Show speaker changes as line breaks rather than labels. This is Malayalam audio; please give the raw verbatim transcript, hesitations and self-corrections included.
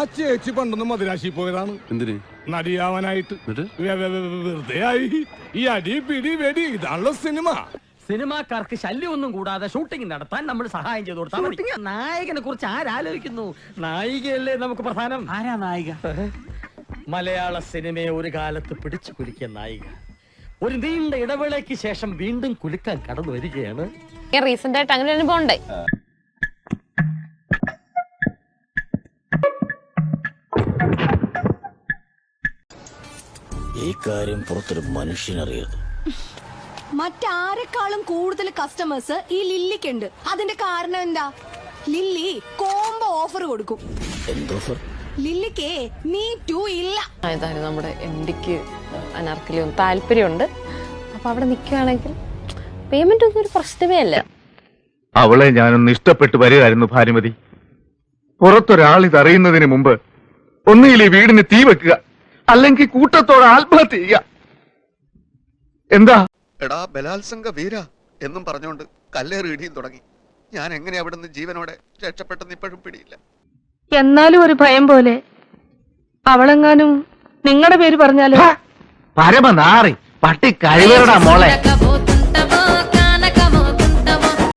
ചേച്ചി പണ്ടൊന്നും മദിരാശി പോയതാണ്.
എന്തിന്?
നടിയാവാനായിട്ട്. വെറുതെ ആയി. ഈ അടി പിടി വെടി ഇതാണല്ലോ സിനിമ.
സിനിമാക്കാർക്ക് ശല്യമൊന്നും കൂടാതെ ഷൂട്ടിംഗ് നടത്താൻ നമ്മൾ സഹായം ചെയ്തു കൊടുത്താൽ മതി. നായകനെ കുറിച്ച് ആരാലോചിക്കുന്നു? നായികയല്ലേ നമുക്ക് പ്രധാനം.
ആരാ നായിക?
മലയാള സിനിമയെ ഒരു കാലത്ത് പിടിച്ചു കുലുക്കിയ നായിക ഒരു നീണ്ട ഇടവേളയ്ക്ക് ശേഷം വീണ്ടും കുലുക്കാൻ കടന്നു വരികയാണ്.
റീസെന്റ് ആയിട്ട് അങ്ങനെ അനുഭവം ഉണ്ടായി.
ഈ കാര്യം പുറത്തൊരു മനുഷ്യനറിയരുത്.
മറ്റാരെക്കാളും കൂടുതൽ കസ്റ്റമേഴ്സ് ഈ ലില്ലിക്കുണ്ട്. അതിന്റെ കാരണം എന്താ? ലില്ലി കോംബോ ഓഫർ കൊടുക്കും.
എന്തോഫർ?
ലില്ലിക്ക് മീ ടു ഇല്ല.
ഏതായാലും നമ്മുടെ എം ഡിക്ക് അനാർക്കലിയും താല്പര്യമുണ്ട്. അപ്പൊ അവിടെ നിൽക്കുകയാണെങ്കിൽ പേയ്മെന്റ് ഒന്നും ഒരു പ്രശ്നമേ അല്ല.
അവളെ ഞാനൊന്ന് ഇഷ്ടപ്പെട്ടു വരികയായിരുന്നു ഭാനുമതി. പുറത്തൊരാൾ ഇതറിയുന്നതിന് മുമ്പ് ഒന്നുകിൽ ഈ വീടിന് തീ വെക്കുക, അല്ലെങ്കിൽ കൂട്ടത്തോടെ ആത്മഹത്യ ചെയ്യുക. എന്താ?
എടാ ബലാത്സംഗ വീര എന്നും പറഞ്ഞുകൊണ്ട് കല്ലേറ് ഇടിയും തുടങ്ങി. ഞാൻ എങ്ങനെ അവിടെ നിന്ന് ജീവനോടെ രക്ഷപ്പെട്ടെന്ന് ഇപ്പോഴും പിടിയില്ല.
എന്നാലും ഒരു ഭയം പോലെ. അവളെങ്ങാനും നിങ്ങളുടെ പേര് പറഞ്ഞാലോ?
പരമനാറി പട്ടി കഴിവേറടാ മോളെ.